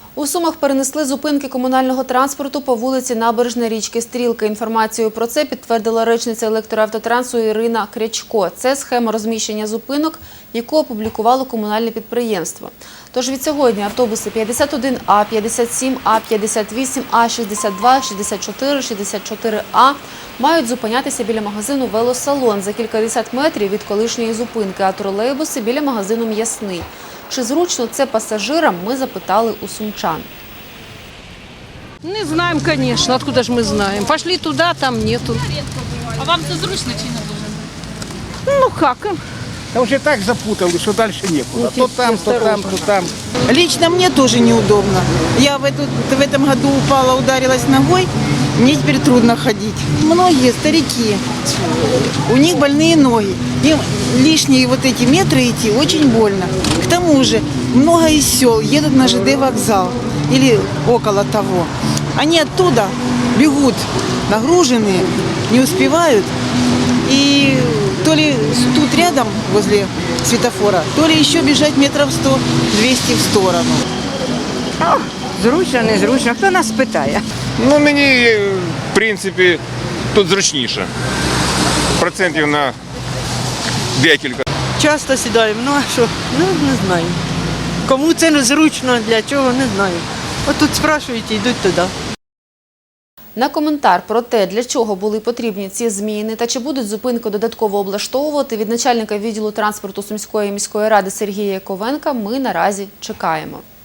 У Сумах перенесли зупинки комунального транспорту по вулиці Набережна річки Стрілка. Інформацію про це підтвердила речниця електроавтотрансу Ірина Крячко. Це схема розміщення зупинок, яку опублікувало комунальне підприємство. Тож від сьогодні автобуси 51А, 57А, 58А, 62, 64, 64А мають зупинятися біля магазину «Велосалон» за кількадесят метрів від колишньої зупинки, а тролейбуси біля магазину «М'ясний». Чи зручно це пасажирам, ми запитали у сумчан. Не знаем, конечно. Откуда же мы знаем? Пошли туда, там нету. А вам це зручно чи не дуже? Ну как? Да уже так запутали, что дальше некуда. То там, то там, то там. Лично мне тоже неудобно. Я в этом году упала, ударилась ногой, мне теперь трудно ходить. Многие старики, у них больные ноги. Им лишние вот эти метры идти очень больно. К тому же много из сел едут на ЖД вокзал или около того. Они оттуда бегут нагруженные, не успевают. И то ли тут рядом, возле светофора, то ли еще бежать метров 100-200 в сторону. Зручно, незручно. Хто нас питає? Ну, мені, в принципі, тут зручніше. Процентів на декілька. Часто сідаємо, ну а що? Ну, не знаю. Кому це не зручно, для чого, не знаю. От тут спрашують і йдуть туди. На коментар про те, для чого були потрібні ці зміни та чи будуть зупинку додатково облаштовувати, від начальника відділу транспорту Сумської міської ради Сергія Яковенка ми наразі чекаємо.